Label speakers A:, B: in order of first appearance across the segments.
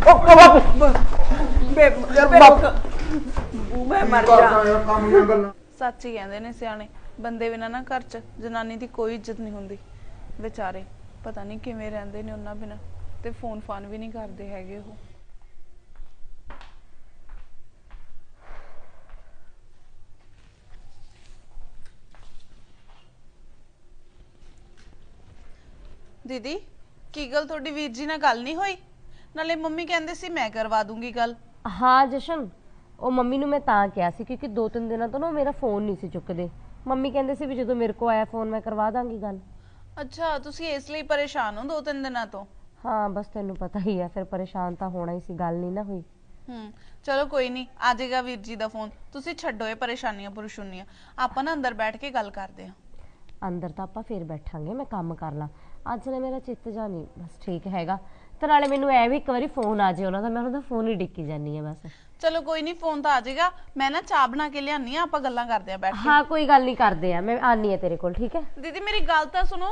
A: ओ बापू
B: मैं मर जा।
C: सच ही कहते ने सियाने बंदे बिना ना घर च जनानी की कोई इज्जत नहीं होंदी। बेचारे पता नहीं किवें रहिंदे ने उन्हां बिना ते फोन फान भी नहीं करते हैगे वो। दीदी की गल थोड़ी वीर जी नाल गल नहीं होई? नाले मम्मी कहंदे सी मैं करवा दूंगी गल।
D: हाँ जशन ਉਹ ਮੰਮੀ ਨੂੰ ਮੈਂ ਤਾਂ ਕਿਹਾ ਸੀ ਕਿਉਂਕਿ 2-3 ਦਿਨਾਂ ਤੋਂ ਨਾ ਮੇਰਾ ਫੋਨ ਨਹੀਂ ਸੀ ਚੁੱਕਦੇ। ਮੰਮੀ ਕਹਿੰਦੇ ਸੀ ਵੀ ਜਦੋਂ ਮੇਰੇ ਕੋ ਆਇਆ ਫੋਨ ਮੈਂ ਕਰਵਾ ਦਾਂਗੀ ਗੱਲ।
C: ਅੱਛਾ ਤੁਸੀਂ ਇਸ ਲਈ ਪਰੇਸ਼ਾਨ ਹੋ 2-3 ਦਿਨਾਂ ਤੋਂ?
D: ਹਾਂ ਬਸ ਤੈਨੂੰ ਪਤਾ ਹੀ ਹੈ ਫਿਰ ਪਰੇਸ਼ਾਨ ਤਾਂ ਹੋਣਾ ਹੀ ਸੀ, ਗੱਲ ਨਹੀਂ ਨਾ ਹੋਈ।
C: ਚਲੋ ਕੋਈ ਨਹੀਂ ਆ ਜਾਏਗਾ ਵੀਰ ਜੀ ਦਾ ਫੋਨ। ਤੁਸੀਂ ਛੱਡੋ ਇਹ ਪਰੇਸ਼ਾਨੀਆਂ ਪਰੇਸ਼ਾਨੀਆਂ, ਆਪਾਂ ਨਾ ਅੰਦਰ ਬੈਠ ਕੇ ਗੱਲ ਕਰਦੇ ਹਾਂ।
D: ਅੰਦਰ ਤਾਂ ਆਪਾਂ ਫੇਰ ਬੈਠਾਂਗੇ, ਮੈਂ ਕੰਮ ਕਰ ਲਾਂ। ਅੱਜ ਨੇ ਮੇਰਾ ਚਿੱਤ ਜਾ ਨਹੀਂ ਬਸ ਠੀਕ ਹੈਗਾ ਤੇ ਨਾਲੇ ਮੈਨੂੰ ਐ ਵੀ ਇੱਕ ਵਾਰੀ ਫੋਨ ਆ ਜਾਏ ਉਹਨਾਂ ਦਾ, ਮੈਂ ਉਹਨਾਂ ਦਾ ਫੋਨ ਹੀ ਡਿੱਕੀ ਜਾਨੀ ਆ ਬਸ।
C: ਚਲੋ ਕੋਈ ਨਹੀਂ ਫੋਨ ਤਾਂ ਆ ਜਾਏਗਾ। ਮੈਂ ਨਾ ਚਾਹ ਬਣਾ ਕੇ ਲਿਆਨੀ ਆ, ਆਪਾਂ ਗੱਲਾਂ ਕਰਦੇ ਆ ਬੈਠ ਕੇ।
D: ਹਾਂ ਕੋਈ ਗੱਲ ਨਹੀਂ ਕਰਦੇ ਆ, ਮੈਂ ਆਨੀ ਆ ਤੇਰੇ ਕੋਲ ਠੀਕ ਹੈ।
C: ਦੀਦੀ ਮੇਰੀ ਗੱਲ ਤਾਂ ਸੁਣੋ।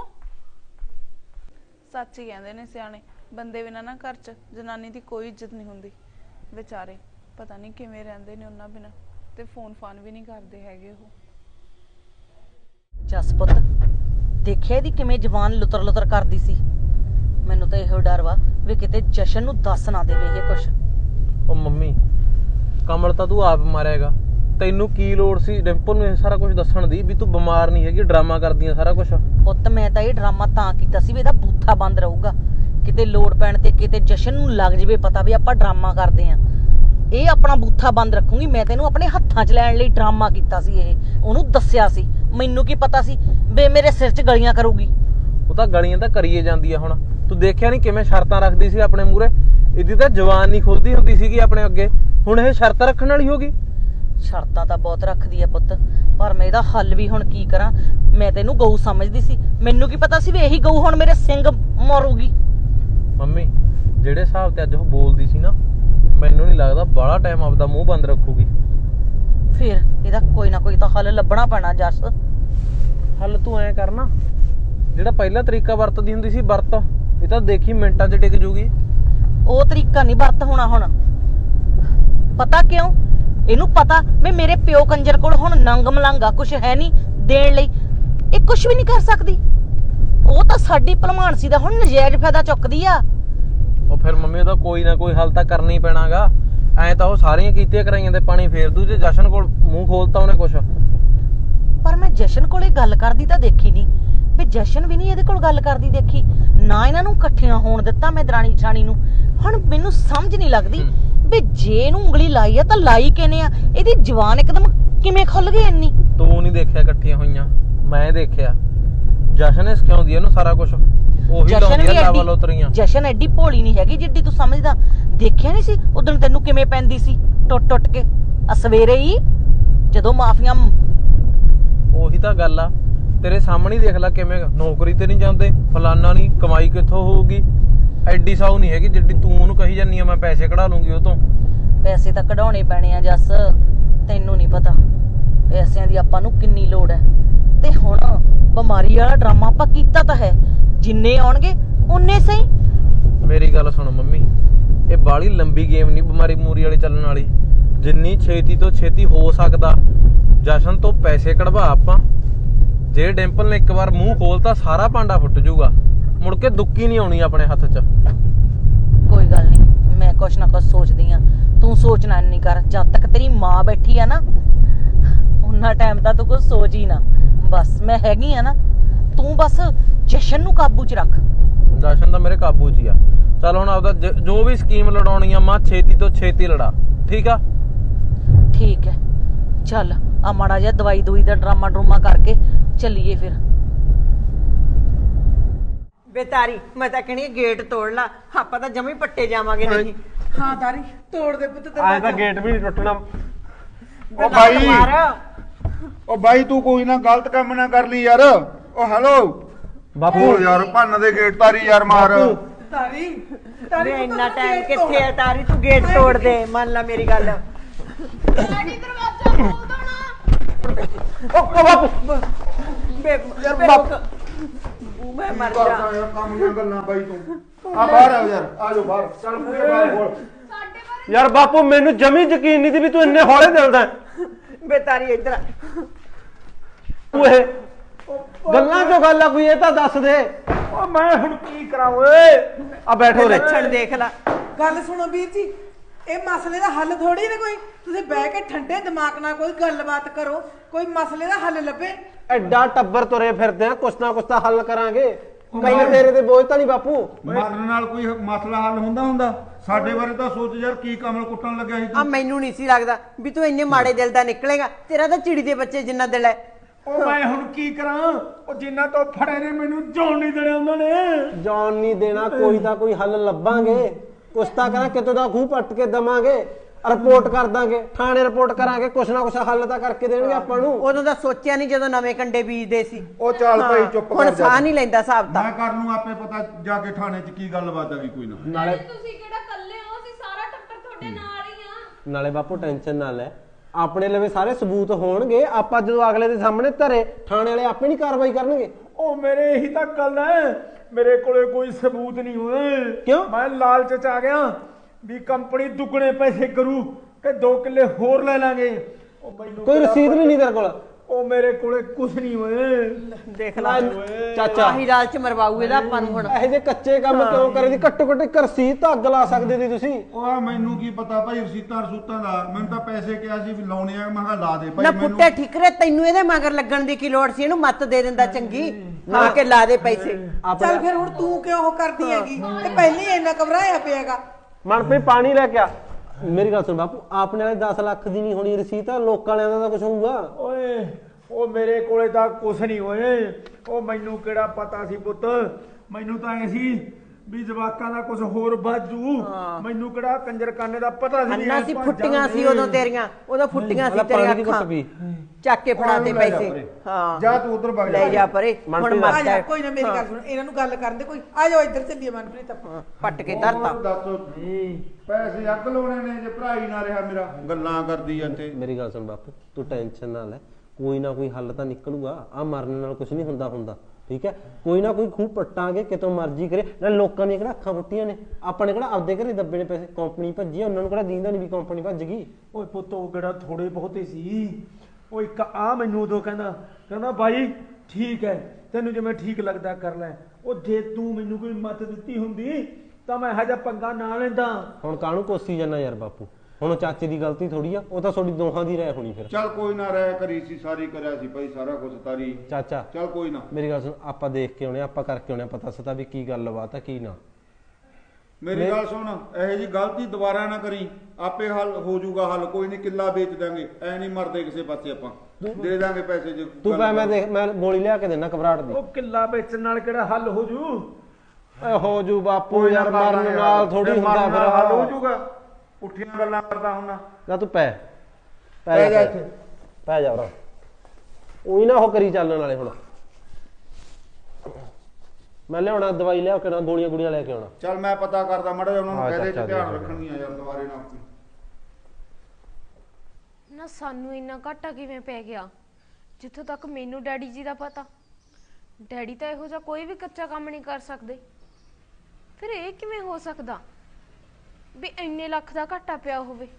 C: ਸੱਚ ਹੀ ਕਹਿੰਦੇ ਨੇ ਸਿਆਣੇ ਬੰਦੇ ਬਿਨਾ ਨਾ ਘਰ ਚ ਜਨਾਨੀ ਦੀ ਕੋਈ ਇੱਜ਼ਤ ਨਹੀਂ ਹੁੰਦੀ। ਵਿਚਾਰੇ ਪਤਾ ਨਹੀਂ ਕਿਵੇਂ ਰਹਿੰਦੇ ਨੇ ਉਹਨਾਂ ਬਿਨਾ ਤੇ ਫੋਨ ਫਾਨ ਵੀ ਨਹੀਂ ਕਰਦੇ ਹੈਗੇ ਉਹ।
B: ਜਸਪੁੱਤ ਦੇਖਿਆ ਇਹਦੀ ਕਿਵੇਂ ਜ਼ਬਾਨ ਲੁਤਰ ਲੁਤਰ ਕਰਦੀ ਸੀ। ਮੈਨੂੰ ਤਾਂ ਇਹੋ ਡਰ ਵਾ ਵੀ ਕਿਤੇ ਜਸ਼ਨ ਨੂੰ ਦੱਸ ਨਾ ਦੇਵੇ ਇਹ ਕੁਛ।
A: ਉਹ ਮੰਮੀ ਕਮਲ ਤਾਂ ਤੂੰ ਆਪ ਮਾਰਿਆਗਾ, ਤੈਨੂੰ ਕੀ ਲੋੜ ਸੀ ਡਿੰਪਲ ਨੂੰ ਇਹ ਸਾਰਾ ਕੁਝ ਦੱਸਣ ਦੀ ਵੀ ਤੂੰ ਬਿਮਾਰ ਨਹੀਂ ਹੈਗੀ, ਡਰਾਮਾ ਕਰਦੀ ਆ ਸਾਰਾ ਕੁਝ।
B: ਪੁੱਤ ਮੈਂ ਤਾਂ ਇਹ ਡਰਾਮਾ ਤਾਂ ਕੀਤਾ ਸੀ ਵੀ ਇਹਦਾ ਬੂਥਾ ਬੰਦ ਰਹੂਗਾ, ਕਿਤੇ ਲੋੜ ਪੈਣ ਤੇ ਕਿਤੇ ਜਸ਼ਨ ਨੂੰ ਲੱਗ ਜਵੇ ਪਤਾ ਵੀ ਆਪਾਂ ਡਰਾਮਾ ਕਰਦੇ ਆ। ਇਹ ਆਪਣਾ ਬੂਥਾ ਬੰਦ ਰੱਖੂਗੀ। ਮੈਂ ਤੈਨੂੰ ਆਪਣੇ ਹੱਥਾਂ 'ਚ ਲੈਣ ਲਈ ਡਰਾਮਾ ਕੀਤਾ ਸੀ, ਇਹ ਉਹਨੂੰ ਦੱਸਿਆ ਸੀ। ਮੈਨੂੰ ਕੀ ਪਤਾ ਸੀ ਬੇ ਮੇਰੇ ਸਿਰ 'ਚ ਗਲੀਆਂ ਕਰੂਗੀ।
A: ਉਹ ਤਾਂ ਗਲੀਆਂ ਤਾਂ ਕਰੀਏ ਜਾਂਦੀ ਆ। ਹੁਣ ਤੂੰ ਦੇਖਿਆ ਨਹੀਂ ਕਿਵੇਂ ਸ਼ਰਤਾਂ ਰੱਖਦੀ ਸੀ ਆਪਣੇ ਮੂਹਰੇ। ਇਹਦੀ ਤਾਂ ਜਵਾਨ ਨਹੀਂ ਖੁੱਲਦੀ ਹੁੰਦੀ ਸੀਗੀ ਆਪਣੇ ਅੱਗੇ, ਹੁਣ ਇਹ ਸ਼ਰਤਾਂ ਰੱਖਣ ਵਾਲੀ ਹੋ ਗਈ।
B: ਸ਼ਰਤਾਂ ਤਾਂ ਬਹੁਤ ਰੱਖਦੀ ਆ ਪੁੱਤ, ਪਰ ਮੈਂ ਇਹਦਾ ਹੱਲ ਵੀ ਹੁਣ ਕੀ ਕਰਾਂ। ਮੈਂ ਤੈਨੂੰ ਗਊ ਸਮਝਦੀ ਸੀ, ਮੈਨੂੰ ਕੀ ਪਤਾ ਸੀ ਵੀ ਇਹੀ ਗਊ ਹੁਣ ਮੇਰੇ ਸਿੰਗ ਮਾਰੂਗੀ।
A: ਮੰਮੀ ਜਿਹੜੇ ਹਿਸਾਬ ਤੇ ਅੱਜ ਉਹ ਬੋਲਦੀ ਸੀ ਨਾ, ਮੈਨੂੰ ਨਹੀਂ ਲੱਗਦਾ ਬਾਹਲਾ ਟਾਈਮ ਆਪਦਾ ਮੂੰਹ ਬੰਦ ਰੱਖੂਗੀ।
B: ਫਿਰ ਇਹਦਾ ਕੋਈ ਨਾ ਕੋਈ ਤਾਂ ਹੱਲ ਲੱਭਣਾ ਪੈਣਾ ਜੱਸ।
A: ਹੱਲ ਤੂੰ ਐਂ ਕਰਨਾ, ਜਿਹੜਾ ਪਹਿਲਾ ਤਰੀਕਾ ਵਰਤਦੀ ਹੁੰਦੀ ਸੀ ਵਰਤ, ਇਹ ਤਾਂ ਦੇਖੀ ਮਿੰਟਾਂ 'ਚ ਟਿਕ ਜੂਗੀ।
B: ਉਹ ਤਰੀਕਾ ਨਹੀਂ ਵਰਤ ਹੋਣਾ ਹੁਣ। ਪਤਾ ਕਿਉਂ? ਇਹਨੂੰ ਪਤਾ ਵੀ ਮੇਰੇ ਪਿਓ ਕੰਜਰ ਕੋਲ ਹੁਣ ਨੰਗ ਮਲੰਗਾ ਕੁਛ ਹੈ ਨਹੀਂ ਦੇਣ ਲਈ, ਇਹ ਕੁਛ ਵੀ ਨਹੀਂ ਕਰ ਸਕਦੀ। ਉਹ ਤਾਂ ਸਾਡੀ ਭਲਮਾਨਸੀ ਦਾ ਹੁਣ ਨਜਾਇਜ਼ ਫਾਇਦਾ ਚੁੱਕਦੀ ਆ।
A: ਉਹ ਫਿਰ ਮੰਮੀ ਉਹਦਾ ਕੋਈ ਨਾ ਕੋਈ ਹੱਲ ਤਾਂ ਕਰਨਾ ਹੀ ਪੈਣਾਗਾ। ਐਂ ਤਾਂ ਉਹ ਸਾਰੀਆਂ ਕੀਤੀਆਂ ਕਰਾਈਆਂ ਤੇ ਪਾਣੀ ਫੇਰ ਦੂ। ਜੇ ਜਸ਼ਨ ਕੋਲ ਮੂੰਹ ਖੋਲਤਾ ਉਹਨੇ ਕੁਛ।
B: ਪਰ ਮੈਂ ਜਸ਼ਨ ਕੋਲੇ ਗੱਲ ਕਰਦੀ ਤਾਂ ਦੇਖੀ ਨਹੀਂ, ਵੀ ਜਸ਼ਨ ਵੀ ਨਹੀਂ ਇਹਦੇ ਕੋਲ ਗੱਲ ਕਰਦੀ ਦੇਖੀ ਨਾ। ਇਹਨਾਂ ਨੂੰ ਇਕੱਠਿਆਂ ਹੋਣ ਦਿੱਤਾ ਮੈਂ ਦਰਾਣੀ ਜਠਾਣੀ ਨੂੰ। ਹੁਣ ਮੈਨੂੰ ਸਮਝ ਨਹੀਂ ਲੱਗਦੀ ਵੀ ਜੇ ਇਹਨੂੰ ਉਂਗਲੀ ਲਾਈ ਆ ਤਾਂ ਲਾਈ ਕਿਨੇ ਆ। ਇਹਦੀ ਜਵਾਨ ਇੱਕਦਮ ਕਿਵੇਂ ਖੁੱਲ ਗਈ ਇੰਨੀ।
A: ਤੂੰ ਨਹੀਂ ਦੇਖਿਆ ਇਕੱਠੀਆਂ ਹੋਈਆਂ, ਮੈਂ ਦੇਖਿਆ। ਜਸ਼ਨ ਇਸ ਕਿਉਂ ਦੀ ਇਹਨੂੰ ਸਾਰਾ ਕੁਝ ਉਹੀ ਲਾਉਂਦੀ ਆ ਲੈਵਲ ਉਤਰੀਆਂ।
B: ਜਸ਼ਨ ਐਡੀ ਭੋਲੀ ਨਹੀਂ ਹੈਗੀ ਜਿੱਡੀ ਤੂੰ ਸਮਝਦਾ। ਦੇਖਿਆ ਨਹੀਂ ਸੀ ਉਦੋਂ ਤੈਨੂੰ ਕਿਵੇਂ ਪੈਂਦੀ ਸੀ ਟੁੱਟ ਟੁੱਟ ਕੇ ਆ ਸਵੇਰੇ ਹੀ ਜਦੋਂ ਮਾਫੀਆਂ।
A: ਉਹੀ ਤਾਂ ਗੱਲ ਆ, ਤੇਰੇ ਸਾਹਮਣੇ ਹੀ ਦੇਖ ਲੈ ਕਿਵੇਂ ਨੌਕਰੀ ਤੇ ਨਹੀਂ ਜਾਂਦੇ, ਫਲਾਨਾ ਨਹੀਂ, ਕਮਾਈ ਕਿੱਥੋਂ ਹੋਊਗੀ। ਐਡੀ ਸਾਊ ਨਹੀਂ ਹੈਗੀ ਜਿੱਡੀ ਤੂੰ ਉਹਨੂੰ ਕਹੀ ਜਾਂਦੀ ਆ ਮੈਂ ਪੈਸੇ ਕਢਾ ਲੂੰਗੀ ਉਹ ਤੋਂ।
B: ਪੈਸੇ ਤਾਂ ਕਢਾਉਣੇ ਪੈਣੇ ਆ ਜੱਸ, ਤੈਨੂੰ ਨਹੀਂ ਪਤਾ ਪੈਸਿਆਂ ਦੀ ਆਪਾਂ ਨੂੰ ਕਿੰਨੀ ਲੋੜ ਹੈ। ਤੇ ਹੁਣ ਬਿਮਾਰੀ ਵਾਲਾ ਡਰਾਮਾ ਆਪਾਂ ਕੀਤਾ ਤਾਂ ਹੈ, ਜਿੰਨੇ ਆਉਣਗੇ ਉਨੇ ਸਹੀ।
A: ਮੇਰੀ ਗੱਲ ਸੁਣ ਮੰਮੀ, ਇਹ ਬਾਹਲੀ ਲੰਬੀ ਗੇਮ ਨਹੀਂ ਬਿਮਾਰੀ ਮੂਰੀ ਵਾਲੀ ਚੱਲਣ ਵਾਲੀ। ਜਿੰਨੀ ਛੇਤੀ ਤੋਂ ਛੇਤੀ ਹੋ ਸਕਦਾ ਜਸ਼ਨ ਤੋਂ ਪੈਸੇ ਕਢਵਾ ਆਪਾਂ। ਜੇ ਡਿੰਪਲ ਨੇ ਇੱਕ ਵਾਰ ਮੂੰਹ ਖੋਲਤਾ ਸਾਰਾ ਭਾਂਡਾ ਫੁੱਟ ਜਾਊਗਾ, ਮੁੜ ਕੇ ਦੁੱਕੀ ਨਹੀਂ ਆਉਣੀ ਆਪਣੇ ਹੱਥ 'ਚ।
B: ਕੋਈ ਗੱਲ ਨਹੀਂ, ਮੈਂ ਕੁਛ ਨਾ ਕੁਛ ਸੋਚਦੀ ਆ, ਤੂੰ ਸੋਚਣਾ ਨਹੀਂ ਕਰ। ਜਦ ਤੱਕ ਤੇਰੀ ਮਾਂ ਬੈਠੀ ਆ ਨਾ ਉਹਨਾਂ ਟਾਈਮ ਤਾਂ ਤੂੰ ਕੁਛ ਸੋਚ ਹੀ ਨਾ। ਬਸ ਮੈਂ ਹੈਗੀ ਆ ਨਾ, ਤੂੰ ਬਸ ਜਸ਼ਨ ਨੂੰ ਕਾਬੂ 'ਚ ਰੱਖ।
A: ਜਸ਼ਨ ਤਾਂ ਮੇਰੇ ਕਾਬੂ 'ਚ ਹੀ ਆ। ਚੱਲ ਹੁਣ ਆਪਦਾ ਜੋ ਵੀ ਸਕੀਮ ਲੜਾਉਣੀ ਆ ਮਾਂ ਛੇਤੀ ਤੋਂ ਛੇਤੀ ਲੜਾ, ਠੀਕ ਆ?
B: ਠੀਕ ਹੈ, ਚੱਲ ਆ ਮਾੜਾ ਜਿਹਾ ਦਵਾਈ ਦੂਈ ਦਾ ਡਰਾਮਾ ਡਰੂਮਾ ਕਰਕੇ ਚੱਲੀਏ ਫਿਰ।
E: ਬੇਤਾਰੀ ਮੈਂ ਤਾਂ ਕਹਿੰਦੀ ਗੇਟ ਤੋੜ ਲਾ, ਆਪਾਂ ਤਾਂ ਜਮੀ ਪੱਟੇ ਜਾਵਾਂਗੇ ਨਹੀਂ।
F: ਹਾਂ ਤਾਰੀ ਤੋੜ ਦੇ ਪੁੱਤ ਤੇ
A: ਐਂ ਤਾਂ ਗੇਟ ਵੀ ਨਹੀਂ ਟੁੱਟਣਾ।
G: ਉਹ ਬਾਈ, ਉਹ ਬਾਈ ਤੂੰ ਕੋਈ ਨਾ ਗਲਤ ਕੰਮ ਨਾ ਕਰ ਲਈ ਯਾਰ। ਉਹ ਹੈਲੋ
A: ਬਾਪੂ
G: ਯਾਰ ਭੰਨ ਦੇ ਗੇਟ ਤਾਰੀ ਯਾਰ ਮਾਰ।
F: ਤਾਰੀ
E: ਤਾਰੀ ਇੰਨਾ ਟਾਈਮ ਕਿੱਥੇ ਹੈ ਤਾਰੀ, ਤੂੰ ਗੇਟ ਤੋੜ ਦੇ। ਮੰਨ ਲੈ ਮੇਰੀ ਗੱਲ।
C: ਡੈਡੀ ਦਰਵਾਜ਼ਾ ਖੋਲ ਦੋ ਨਾ।
A: ਉਹ ਬਾਪੂ
E: ਬੇ ਯਾਰ ਬਾਪ ਮੈਂ ਮਰ ਜਾ।
G: ਯਾਰ ਕੰਮ ਦੀਆਂ ਗੱਲਾਂ ਬਾਈ ਤੂੰ। ਆ ਬਾਹਰ ਆ ਯਾਰ, ਆ ਜਾਓ ਬਾਹਰ। ਚੱਲ ਪੂਰੇ ਬਾਹਰ ਖੋਲ।
H: ਯਾਰ ਬਾਪੂ ਮੈਨੂੰ ਜਮੀ ਯਕੀਨ ਨਹੀਂ ਸੀ ਵੀ ਤੂੰ ਇੰਨੇ ਹੌਲੇ ਦਿਲ ਦਾ ਹੈ।
E: ਬੇ ਤਾਰੀ ਇੱਧਰ ਆ।
H: ਤੂੰ ਇਹ ਗੱਲਾਂ ਚੋਂ ਗੱਲ ਆ ਕੋਈ, ਇਹ ਤਾਂ ਦੱਸ ਦੇ।
F: ਉਹ ਮੈਂ ਹੁਣ ਕੀ ਕਰਾਂ ਓਏ?
H: ਆ ਬੈਠੋ ਰੇ।
E: ਲੱਛਣ ਦੇਖ ਲੈ।
F: ਗੱਲ ਸੁਣੋ ਵੀਰ ਜੀ, ਇਹ ਮਸਲੇ ਦਾ ਹੱਲ ਥੋੜੀ ਨਾ ਕੋਈ। ਤੁਸੀਂ ਬਹਿ ਕੇ ਠੰਡੇ ਦਿਮਾਗ ਨਾਲ ਕੋਈ ਗੱਲਬਾਤ ਕਰੋ, ਕੋਈ ਮਸਲੇ ਦਾ ਹੱਲ ਲੱਭੇ।
H: ਐਡਾ ਟੱਬਰ ਤੁਰੇ ਫਿਰਦੇ ਆ, ਕੁਛ ਨਾ ਕੁਛ ਤਾਂ ਹੱਲ ਕਰਾਂਗੇ। ਕਈ ਤੇਰੇ ਤੇ ਬੋਝ ਤਾਂ ਨਹੀਂ ਬਾਪੂ।
G: ਮਰਨ ਨਾਲ ਕੋਈ ਮਸਲਾ ਹੱਲ ਹੁੰਦਾ? ਸਾਡੇ ਬਾਰੇ ਤਾਂ ਸੋਚ ਯਾਰ, ਕੀ ਕਮਲ ਕੁੱਟਣ ਲੱਗਿਆ ਸੀ
E: ਆ
G: ਤੂੰ?
E: ਮੈਨੂੰ ਨਹੀਂ ਸੀ ਲੱਗਦਾ ਵੀ ਤੂੰ ਇੰਨੇ ਮਾੜੇ ਦਿਲ ਦਾ ਨਿਕਲੇਗਾ। ਤੇਰਾ ਤਾਂ ਚਿੜੀ ਦੇ ਬੱਚੇ ਜਿੰਨਾ ਦਿਲ ਹੈ।
F: ਉਹ ਮੈਂ ਹੁਣ ਕੀ ਕਰਾਂ? ਉਹ ਜਿੰਨਾ ਤੋਂ ਫੜੇ ਨੇ ਮੈਨੂੰ ਜਾਣ ਨਹੀਂ ਦੇਣਾ ਉਹਨਾਂ ਨੇ।
H: ਜਾਣ ਨਹੀਂ ਦੇਣਾ, ਕੋਈ ਤਾਂ ਕੋਈ ਹੱਲ ਲੱਭਾਂਗੇ। ਕੁਛ ਤਾਂ ਕਰਾਂ, ਕਿਤੋਂ ਦਾ ਖੂਹ ਪੱਟ ਕੇ ਦਵਾਂਗੇ, ਰਿਪੋਰਟ ਕਰ ਦਾਂਗੇ, ਥਾਣੇ ਰਿਪੋਰਟ ਕਰਾਂਗੇ, ਕੁਛ ਨਾ ਕੁਛ ਹੱਲ ਤਾਂ ਕਰਕੇ ਦੇਣਗੇ ਆਪਾਂ ਨੂੰ।
E: ਉਦੋਂ ਤਾਂ ਸੋਚਿਆ ਨਹੀਂ ਜਦੋਂ ਨਵੇਂ ਕੰਡੇ ਬੀਜਦੇ ਸੀ।
G: ਉਹ ਚੱਲ ਭਾਈ ਚੁੱਪ ਕਰ
E: ਹੁਣ
G: ਜਾ।
E: ਸਾਹ ਨਹੀਂ ਲੈਂਦਾ ਹਿਸਾਬ ਤਾਂ।
G: ਮੈਂ ਕਰ ਲੂੰ ਆਪੇ ਪਤਾ ਜਾ ਕੇ ਥਾਣੇ 'ਚ ਕੀ ਗੱਲਬਾਤ ਆ ਵੀ ਕੋਈ ਨਾ।
H: ਨਾਲੇ
I: ਤੁਸੀਂ ਕਿਹੜਾ ਇਕੱਲੇ ਹੋ, ਅਸੀਂ ਸਾਰਾ ਟੱਬਰ ਤੁਹਾਡੇ ਨਾਲ ਹੀ ਆ।
H: ਨਾਲੇ ਬਾਪੂ ਟੈਨਸ਼ਨ ਨਾ ਲੈ, ਆਪਣੇ ਲਵੇ ਸਾਰੇ ਸਬੂਤ ਹੋਣਗੇ। ਆਪਾਂ ਜਦੋਂ ਅਗਲੇ ਦੇ ਸਾਹਮਣੇ ਧਰੇ, ਥਾਣੇ ਵਾਲੇ ਆਪੇ ਨਹੀਂ ਕਾਰਵਾਈ ਕਰਨਗੇ।
F: ਉਹ ਮੇਰੇ ਇਹੀ ਤਾਂ ਗੱਲ ਹੈ, ਮੇਰੇ ਕੋਲੇ ਕੋਈ ਸਬੂਤ ਨਹੀਂ ਹੋਏ।
H: ਕਿਉਂ?
F: ਮੈਂ ਲਾਲਚ ਚ ਆ ਗਿਆ ਵੀ ਕੰਪਨੀ ਦੁੱਗਣੇ ਪੈਸੇ ਕਰੂ ਤੇ 2 ਕਿੱਲੇ ਹੋਰ ਲੈ ਲਾਂਗੇ। ਉਹ ਮੈਨੂੰ
H: ਕੋਈ ਰਸੀਦ ਵੀ ਨਹੀਂ ਤੇਰੇ ਕੋਲ?
F: ਉਹ ਮੇਰੇ ਕੋਲੇ ਕੁਝ ਨਹੀਂ ਹੋਏ।
E: ਦੇਖ ਲੈ
H: ਚਾਚਾ
E: ਆਹੀ ਰਾਲ ਚ ਮਰਵਾਊ ਇਹਦਾ ਆਪਾਂ ਨੂੰ ਹੁਣ।
H: ਇਹੋ ਜਿਹੇ ਕੱਚੇ ਕੰਮ ਕਿਉਂ ਕਰੇ ਦੀ? ਘੱਟੋ ਘੱਟ ਇੱਕ ਰਸੀਦ ਤਾਂ ਅੱਗ ਲਾ ਸਕਦੇ ਸੀ ਤੁਸੀਂ।
G: ਉਹ ਆ ਮੈਨੂੰ ਕੀ ਪਤਾ ਭਾਈ ਰਸੀਤਾਂ ਰਸੂਤਾਂ ਦਾ। ਮੈਨੂੰ ਤਾਂ ਪੈਸੇ ਕਿਹਾ ਸੀ ਵੀ ਲਾਉਣੇ ਆ, ਮੈਂ ਕਿਹਾ ਲਾ ਦੇ ਭਾਈ।
E: ਨਾ ਪੁੱਟੇ ਠਿਕਰੇ, ਤੈਨੂੰ ਇਹਦੇ ਮਗਰ ਲੱਗਣ ਦੀ ਕੀ ਲੋੜ ਸੀ? ਇਹਨੂੰ ਮੱਤ ਦੇ ਦਿੰਦਾ ਚੰਗੀ, ਹਾਂ ਕਿ ਲਾ ਦੇ ਪੈਸੇ।
F: ਚੱਲ ਫਿਰ ਹੁਣ ਤੂੰ ਕਿਉਂ ਉਹ ਕਰਦੀ ਹੈਗੀ? ਤੇ ਪਹਿਲੇ ਹੀ ਇੰਨਾ ਘਬਰਾਇਆ ਪਿਆਗਾ।
H: ਮਨਪ੍ਰੀਤ ਪਾਣੀ ਲੈ ਕੇ ਆ। ਮੇਰੀ ਗੱਲ ਸੁਣ ਬਾਪੂ, ਆਪਣੇ ਵਾਲੇ 10 ਲੱਖ ਦੀ ਨਹੀਂ ਹੋਣੀ ਰਸੀਦ, ਲੋਕਾਂ ਵਾਲਿਆਂ ਦਾ ਤਾਂ ਕੁਝ ਹੋਊਗਾ।
F: ਓਏ ਉਹ ਮੇਰੇ ਕੋਲੇ ਤਾਂ ਕੁਛ ਨਹੀਂ ਹੋਏ। ਉਹ ਮੈਨੂੰ ਕਿਹੜਾ ਪਤਾ ਸੀ ਪੁੱਤ, ਮੈਨੂੰ ਤਾਂ ਐ ਸੀ ਵੀ ਜਵਾਕਾਂ ਦਾ ਕੁਝ ਹੋਰ ਬਾਜੂ। ਮੈਨੂੰ ਕਿਹੜਾ ਕੰਜਰਕਾਨੇ ਦਾ ਪਤਾ ਸੀ।
E: ਅੰਨਾ ਸੀ ਫੁੱਟੀਆਂ ਸੀ ਉਦੋਂ ਤੇਰੀਆਂ, ਉਦੋਂ ਫੁੱਟੀਆਂ ਸੀ ਤੇਰੀਆਂ ਅੱਖਾਂ। ਚੱਕ ਕੇ ਫੜਾ ਦੇ ਪੈਸੇ। ਹਾਂ
G: ਜਾ ਤੂੰ ਉਧਰ ਵਗ ਜਾ।
E: ਲੈ ਜਾ ਪਰੇ। ਹੁਣ ਮਰ ਜਾ।
F: ਕੋਈ ਨਾ ਮੇਰੀ ਗੱਲ ਸੁਣ, ਇਹਨਾਂ ਨੂੰ ਗੱਲ ਕਰਨ ਦੇ ਕੋਈ। ਆ ਜਾਓ ਇੱਧਰ ਚੱਲੀਏ ਮਨਪ੍ਰੀਤ ਆਪਾਂ।
E: ਪੱਟ ਕੇ ਧਰਤਾ।
G: ਦੱਸ ਪੈਸੇ ਅੱਗ ਲਾਉਣੇ ਨੇ ਜੇ ਭਰਾ ਹੀ ਨਾ ਰਿਹਾ ਮੇਰਾ। ਗੱਲਾਂ ਕਰਦੀ ਐ ਤੇ।
H: ਮੇਰੀ ਗੱਲ ਸੁਣ ਬਾਪੂ, ਤੂੰ ਟੈਨਸ਼ਨ ਨਾ ਲੈ, ਕੋਈ ਨਾ ਕੋਈ ਹੱਲ ਤਾਂ ਨਿਕਲੂਗਾ। ਆ ਮਰਨ ਨਾਲ ਕੁਝ ਨਹੀਂ ਹੁੰਦਾ ਠੀਕ ਹੈ? ਕੋਈ ਨਾ ਕੋਈ ਖੂਹ ਪੱਟਾਂਗੇ, ਕਿਤੋਂ ਮਰਜ਼ੀ ਕਰੇ। ਨਾ ਲੋਕਾਂ ਦੀਆਂ ਕਿਹੜਾ ਅੱਖਾਂ ਫੁੱਟੀਆਂ ਨੇ? ਆਪਾਂ ਨੇ ਕਿਹੜਾ ਆਪਦੇ ਘਰੇ ਦੱਬੇ ਨੇ ਪੈਸੇ? ਕੰਪਨੀ ਭੱਜੀ ਆ, ਉਹਨਾਂ ਨੂੰ ਕਿਹੜਾ ਦੀਂਦਾ ਨਹੀਂ ਵੀ ਕੰਪਨੀ ਭੱਜ ਗਈ?
F: ਓਏ ਪੁੱਤ ਉਹ ਕਿਹੜਾ ਥੋੜੇ ਬਹੁਤੇ ਸੀ। ਉਹ ਇੱਕ ਆ ਮੈਨੂੰ ਉਦੋਂ ਕਹਿੰਦਾ ਬਾਈ ਠੀਕ ਹੈ, ਤੈਨੂੰ ਜਿਵੇਂ ਠੀਕ ਲੱਗਦਾ ਕਰ ਲੈ। ਉਹ ਜੇ ਤੂੰ ਮੈਨੂੰ ਕੋਈ ਮੱਤ ਦਿੱਤੀ ਹੁੰਦੀ ਤਾਂ ਮੈਂ ਹਜਾ ਪੰਗਾ ਨਾ ਲੈਂਦਾ।
H: ਹੁਣ ਕਾਹਨੂੰ ਕੋਸੀ ਜਾਂਦਾ ਯਾਰ ਬਾਪੂ? ਹੁਣ ਚਾਚੇ ਦੀ ਗਲਤੀ ਥੋੜੀ ਆ, ਉਹ ਤਾਂ ਤੁਹਾਡੀ ਦੋਹਾਂ ਦੀ ਰਹਿ ਹੋਣੀ। ਫਿਰ
G: ਚੱਲ ਕੋਈ ਨਾ, ਰਹਿ ਕਰੀ ਸੀ ਸਾਰੀ, ਕਰਿਆ ਸੀ ਭਾਈ ਸਾਰਾ ਕੁਝ ਤਾਰੀ।
H: ਚਾਚਾ
G: ਚੱਲ ਕੋਈ ਨਾ,
H: ਮੇਰੀ ਗੱਲ ਸੁਣ, ਆਪਾਂ ਦੇਖ ਕੇ ਆਉਣੇ, ਆਪਾਂ ਕਰਕੇ ਆਉਣੇ, ਪਤਾ ਸਤਾ ਵੀ ਕੀ ਗੱਲਬਾਤ ਆ ਕੀ ਨਾ।
G: ਮੇਰੀ ਗੱਲ ਸੁਣ, ਇਹੋ ਜੀ ਗਲਤੀ ਦੁਬਾਰਾ ਨਾ ਕਰੀ। ਆਪੇ ਹੱਲ ਹੋ ਜਾਊਗਾ। ਹੱਲ ਕੋਈ ਨਹੀਂ, ਕਿੱਲਾ ਵੇਚ ਦਾਂਗੇ। ਐ ਨਹੀਂ ਮਰਦੇ ਕਿਸੇ ਪਾਸੇ, ਆਪਾਂ ਦੇ ਦਾਂਗੇ ਪੈਸੇ। ਜੇ
H: ਤੂੰ ਪੈ ਮੈਂ ਦੇਖ, ਮੈਂ ਗੋਲੀ ਲਿਆ ਕੇ ਦੇਣਾ ਘਬਰਾਹਟ ਦੀ।
F: ਉਹ ਕਿੱਲਾ ਵੇਚਣ ਨਾਲ ਕਿਹੜਾ ਹੱਲ ਹੋ ਜੂ?
H: ਓਏ ਹੋ ਜੂ ਬਾਪੂ ਯਾਰ, ਮਰਨ ਨਾਲ ਥੋੜੀ ਹੁੰਦਾ। ਫਿਰ
G: ਹੱਲ ਹੋ ਜਾਊਗਾ। ਪੁੱਠੀਆਂ ਗੱਲਾਂ ਕਰਦਾ ਹੁੰਨਾ।
H: ਜਾ ਤੂੰ ਪੈ ਜਾ ਇੱਥੇ, ਪੈ ਜਾ ਭਰਾ। ਉਹੀ ਨਾ ਉਹ ਕਰੀ ਚੱਲਣ ਵਾਲੇ। ਹੁਣ ਮੈਂ ਲਿਆਉਣਾ ਦਵਾਈ, ਲਿਆ ਕੇ ਨਾ ਗੋਲੀਆਂ ਗੁੜੀਆਂ ਲੈ ਕੇ ਆਉਣਾ।
G: ਚੱਲ ਮੈਂ ਪਤਾ ਕਰਦਾ ਮਾੜਾ ਜਿਹਾ, ਉਹਨਾਂ ਨੂੰ
H: ਹਾਂ,
G: ਕਹਦੇ
H: ਚਾਚਾ
G: ਧਿਆਨ
H: ਦੇ।
G: ਰੱਖਣਗੀਆਂ ਯਾਰ ਦੁਬਾਰੇ ਨਾ।
I: ਨਾ ਸਾਨੂੰ ਇੰਨਾ ਘਾਟਾ ਕਿਵੇਂ ਪੈ ਗਿਆ? ਜਿੱਥੋਂ ਤੱਕ ਮੈਨੂੰ ਡੈਡੀ ਜੀ ਦਾ ਪਤਾ, ਡੈਡੀ ਤਾਂ ਇਹੋ ਜਿਹਾ ਕੋਈ ਵੀ ਕੱਚਾ ਕੰਮ ਨਹੀਂ ਕਰ ਸਕਦੇ। ਫਿਰ ਇਹ ਕਿਵੇਂ ਹੋ ਸਕਦਾ ਵੀ ਇੰਨੇ ਲੱਖ ਦਾ ਘਾਟਾ ਪਿਆ ਹੋਵੇ?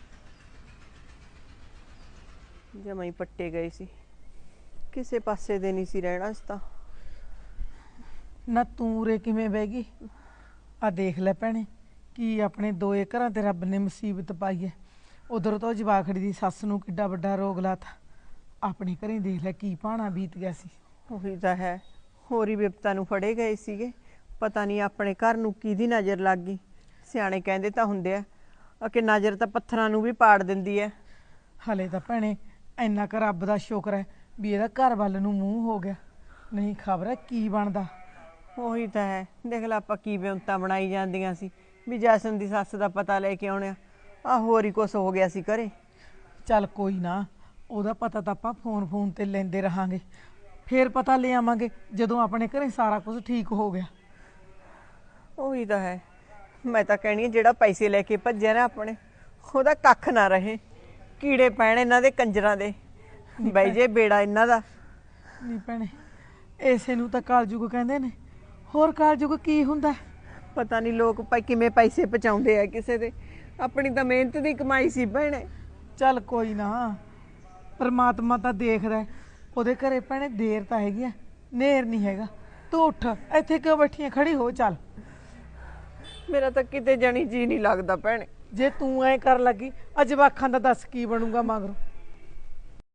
E: ਜਮਾਂ ਹੀ ਪੱਟੇ ਗਏ ਸੀ, ਕਿਸੇ ਪਾਸੇ ਦੇ ਨਹੀਂ ਸੀ ਰਹਿਣਾ ਇਸ ਤਾਂ।
F: ਨਾ ਤੂੰ ਉਰੇ ਕਿਵੇਂ ਬਹਿ ਗਈ? ਆ ਦੇਖ ਲੈ ਭੈਣੇ, ਕੀ ਆਪਣੇ ਦੋਏ ਘਰਾਂ ਤੇ ਰੱਬ ਨੇ ਮੁਸੀਬਤ ਪਾਈ ਹੈ। ਉਧਰ ਤੋਂ ਜਵਾਖੜੀ ਦੀ ਸੱਸ ਨੂੰ ਕਿੱਡਾ ਵੱਡਾ ਰੋਗ ਲਾਤਾ। ਆਪਣੇ ਘਰੇ ਦੇਖ ਲੈ ਕੀ ਭਾਣਾ ਬੀਤ ਗਿਆ ਸੀ।
E: ਉਹੀ ਤਾਂ ਹੈ, ਹੋਰ ਹੀ ਵਿਪਤਾ ਨੂੰ ਫੜੇ ਗਏ ਸੀਗੇ। ਪਤਾ ਨਹੀਂ ਆਪਣੇ ਘਰ ਨੂੰ ਕਿਹਦੀ ਨਜ਼ਰ ਲੱਗ ਗਈ। ਸਿਆਣੇ ਕਹਿੰਦੇ ਤਾਂ ਹੁੰਦੇ ਆ ਕਿ ਨਜ਼ਰ ਤਾਂ ਪੱਥਰਾਂ ਨੂੰ ਵੀ ਪਾੜ ਦਿੰਦੀ ਹੈ।
F: ਹਲੇ ਤਾਂ ਭੈਣੇ ਇੰਨਾ ਕੁ ਰੱਬ ਦਾ ਸ਼ੁਕਰ ਹੈ ਵੀ ਇਹਦਾ ਘਰ ਵੱਲ ਨੂੰ ਮੂੰਹ ਹੋ ਗਿਆ, ਨਹੀਂ ਖਬਰ ਹੈ ਕੀ ਬਣਦਾ।
E: ਉਹੀ ਤਾਂ ਹੈ, ਦੇਖ ਲੈ ਆਪਾਂ ਕੀ ਵਿਉਂਤਾਂ ਬਣਾਈ ਜਾਂਦੀਆਂ ਸੀ ਵੀ ਜੈਸਨ ਦੀ ਸੱਸ ਦਾ ਪਤਾ ਲੈ ਕੇ ਆਉਣਿਆ। ਆ ਹੋਰ ਹੀ ਕੁਛ ਹੋ ਗਿਆ ਸੀ ਘਰੇ।
F: ਚੱਲ ਕੋਈ ਨਾ, ਉਹਦਾ ਪਤਾ ਤਾਂ ਆਪਾਂ ਫੋਨ ਤੇ ਲੈਂਦੇ ਰਹਾਂਗੇ, ਫੇਰ ਪਤਾ ਲੈ ਆਵਾਂਗੇ ਜਦੋਂ ਆਪਣੇ ਘਰੇ ਸਾਰਾ ਕੁਝ ਠੀਕ ਹੋ ਗਿਆ।
E: ਉਹੀ ਤਾਂ ਹੈ, ਮੈਂ ਤਾਂ ਕਹਿਣੀ ਜਿਹੜਾ ਪੈਸੇ ਲੈ ਕੇ ਭੱਜਿਆ ਨਾ ਆਪਣੇ, ਉਹਦਾ ਕੱਖ ਨਾ ਰਹੇ। ਕੀੜੇ ਪੈਣ ਇਹਨਾਂ ਦੇ ਕੰਜਰਾਂ ਦੇ, ਬਾਈ ਜੇ ਬੇੜਾ ਇਹਨਾਂ ਦਾ।
F: ਨਹੀਂ ਭੈਣੇ, ਇਸੇ ਨੂੰ ਤਾਂ ਕਾਲਜੁਗ ਕਹਿੰਦੇ ਨੇ। ਹੋਰ ਕਾਲਜੁਗ ਕੀ ਹੁੰਦਾ?
E: ਪਤਾ ਨਹੀਂ ਲੋਕ ਕਿਵੇਂ ਪੈਸੇ ਪਚਾਉਂਦੇ ਆ ਕਿਸੇ ਦੇ। ਆਪਣੀ ਤਾਂ ਮਿਹਨਤ ਦੀ ਕਮਾਈ ਸੀ ਭੈਣੇ।
F: ਚੱਲ ਕੋਈ ਨਾ, ਪਰਮਾਤਮਾ ਤਾਂ ਦੇਖਦਾ ਹੈ। ਉਹਦੇ ਘਰੇ ਭੈਣੇ ਦੇਰ ਤਾਂ ਹੈਗੀ ਆ, ਨੇਰ ਨਹੀਂ ਹੈਗਾ। ਤੂੰ ਉੱਠ, ਇੱਥੇ ਕਿਉਂ ਬੈਠੀ ਆਂ? ਖੜੀ ਹੋ ਚੱਲ।
E: ਮੇਰਾ ਤਾਂ ਕਿਤੇ ਜਾਣੀ ਜੀ ਨਹੀਂ ਲੱਗਦਾ ਭੈਣੇ।
F: ਜੇ ਤੂੰ ਐ ਕਰ ਲੱਗੀ, ਅੱਜ ਜਵਾਕਾਂ ਦਾ ਦੱਸ ਕੀ ਬਣੂਗਾ ਮਗਰੋਂ।